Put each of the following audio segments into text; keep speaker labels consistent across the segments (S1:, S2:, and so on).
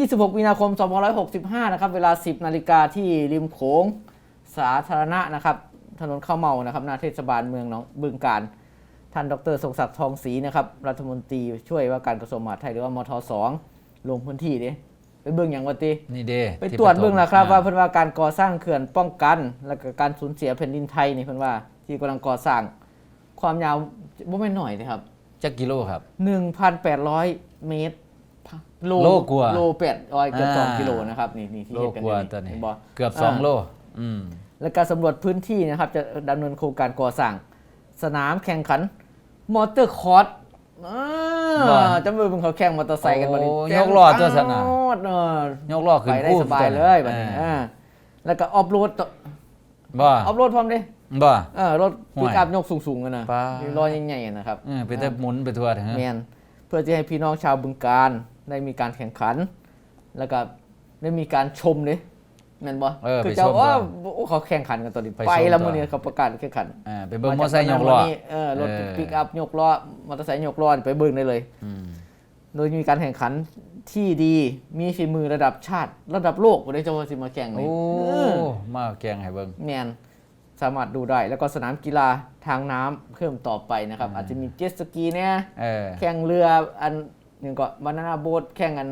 S1: 26 มีนาคม 2565 นะครับเวลา 10 นาฬิกาที่ริมโขงสาธารณะนะครับถนนข้าวเมานะครับหน้าเทศบาลเมืองหนองบึงกาฬท่านดร.ทรงศักดิ์ทองศรีนะครับรัฐมนตรีช่วยว่าการกระทรวงมหาดไทยหรือว่ามท2ลงพื้นที่ดิไปเบิ่งอย่างว่าติ
S2: นี่เด้
S1: ไปตรวจเบิ่งนะครับว่าเพิ่นว่าการก่อสร้างเขื่อนป้องกันและก็การสูญเสียแผ่นดินไทยนี่เพิ่นว่าที่กำลังก่อสร้างความยาวบ่แม่นน้อยเด้ครับ
S2: จักกิโลครับ
S1: 1,800 เมตร
S2: โลกว่า
S1: โล800เกือบ2กิโลนะครับนี่ที่เฮ็ดกันอยู่
S2: นี่
S1: บ่
S2: เกือบ2โล
S1: และการสำรวจพื้นที่นะครับจะดำเนินโครงการก่อสร้างสนามแข่งขันมอเตอร์คอร์สจำเป็นเขาแข่งมอเตอร์ไซค์กันบัดนี้
S2: ยกล้อตัวสนามยกล้อขึ้น
S1: ไปได้สบายเลยบัดนี้แล้วก็ออฟโรด
S2: บ่อ
S1: อฟโรดพร้อมดิ
S2: บ่
S1: รถปิกอัพยกสูงๆกันนะล้อใหญ่ๆนะครับ
S2: ไปแต่หมุนไปทั่วทั้ง
S1: แม่นเพื่อจะให้พี่น้องชาวบึงกาฬได้มีการแข่งขันแล้วก็ได้มีการชมดิแม่นบ่คือเจ้าเขาแข่งขันกันตอนนี้ไปแล้วมื้อนี้เขาประกาศแข่งขัน
S2: ไปเบิ่งมอเตอร์ไซค์ยกล้อ
S1: รถปิกอัพยกล้อมอเตอร์ไซค์ยกล้อไปเบิ่งได้เลยโดยมีการแข่งขันที่ดีมีฝีมือระดับชาติระดับโลกบ่ได้จะว่าสิมาแข่งนี่
S2: มาแข่งให้เบิ่ง
S1: แม่นสามารถดูได้แล้วก็สนามกีฬาทางน้ำเพิ่มต่อไปนะครับอาจจะมีเจ็ตสกีเนี่ยแข่งเรืออันนึงก็บานาน่าโบ๊ทแข่งกัน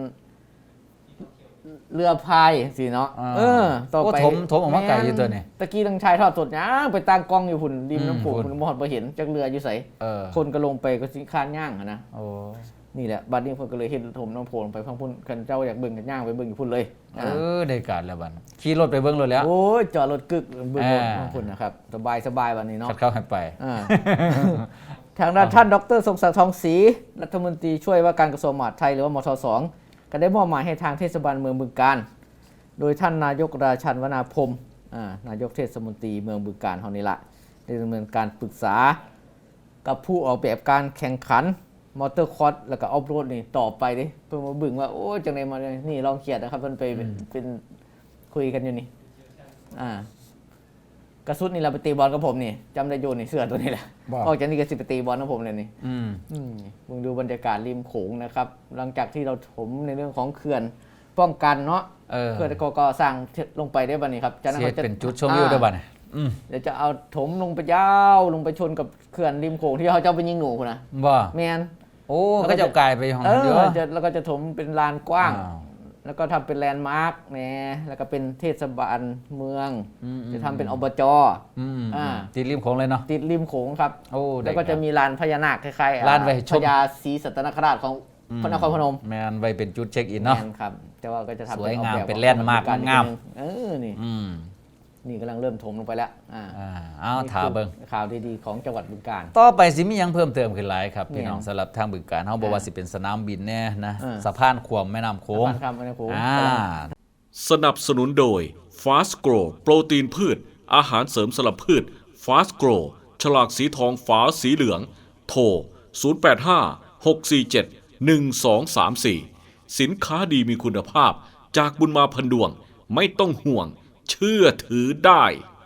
S1: เรือพายสิเนาะ
S2: ต่อไปถมออกมาไกลอยู่ตัวนี้
S1: ตะกี้ทางชายทอดสดย่างไปตั้งกล้องอยู่หุ่นริมน้ำโขงคุณบ่ฮอดบ่เห็นจักเรืออยู่ไสคนก็ลงไปก็สิคานย่างนะนี่แหละบัดนี้เพิ่นก็เลยเฮ็ดถมน้ำโขงลงไปพังพุ่นคันเจ้าอยากเบิ่งกันย่างไปเบิ่งอยู่พุ่นเลย
S2: ได้การแล้วบัดขี่รถไปเบิ่งรถแล้ว
S1: โอ้ยจอดรถกึกเบิ่งรถพังพุ่นนะครับสบายบัดนี้เนาะ
S2: เข้าให้ไป
S1: ทางด้านท่านดร.ทรงศักดิ์ทองศรีรัฐมนตรีช่วยว่าการกระทรวงมหาดไทยหรือว่ามท2ก็ได้มอบหมายให้ทางเทศบาลเมืองบึงกาฬโดยท่านนายกราชันวนาพรมนายกเทศมนตรีเมืองบึงกาฬเฮานี่ละได้ดำเนินการปรึกษากับผู้ออกแบบการแข่งขันมอเตอร์คอร์สแล้วก็ออฟโรดนี่ต่อไปดิเพิ่นมาบึงว่าโอ้จังได๋มานี่ลองเขียนนะครับเพิ่นไปเป็นคุยกันอยู่นี่กระสุดนี่เราไปตีบอลกับผมนี่จำได้อยู่นี่เสื้อตัวนี้แหละออกจากนี่ก็สิไปตีบอลกับผมเลยนี่มึงดูบรรยากาศริมโขงนะครับหลังจากที่เราถมในเรื่องของเขื่อนป้องกันเนาะเขื่อนก็สร้างลงไปได้บัดนี้ครับ
S2: จากนั้นเขาจะเป็นจุดชมวิวได้บัด
S1: เดี๋ยวจะเอาถมลงไปยาวลงไปชนกับเขื่อนริมโขงที่เขาจะไปยิงหนูพุ่นนะแม่น
S2: ก็จะกลายไปของเยอะ
S1: แล้วก็จะถมเป็นลานกว้างแล้วก็ทำเป็นแลนด์มาร์คแล้วก็เป็นเทศบาลเมืองจะทำเป็นอบจ
S2: ติดริมโขงเลยเนาะ
S1: ติดริมโขงครับแล้วก็จะมีลานพญานาคคล้ายๆ
S2: ลานไว้
S1: พญาศรีสัตนคราชของพระนครพนม
S2: แมนไว้เป็นจุดเช็คอินเนาะ
S1: แมนครับแต่ว่าก็จะทำ
S2: สวยงามเป็นแลนด์มาร์คงาม
S1: นี่กำลังเริ่มถมลงไปแล้ว
S2: เอาถามเบิ่ง
S1: ข่าวดีๆของจังหวัดบึงกาฬ
S2: ต่อไปสิมียังเพิ่มเติมขึ้นหลายครับพี่น้องสำหรับทางบึงกาฬเฮาบอกว่าสิเป็นสนามบินแน่นะสะพานขวมแม่น้ำโขง
S3: สนับสนุนโดย Fast Grow โปรตีนพืชอาหารเสริมสำหรับพืช Fast Grow ฉลากสีทองฝาสีเหลืองโทร0856471234สินค้าดีมีคุณภาพจากบุญมาพันดวงไม่ต้องห่วงเชื่อถือได้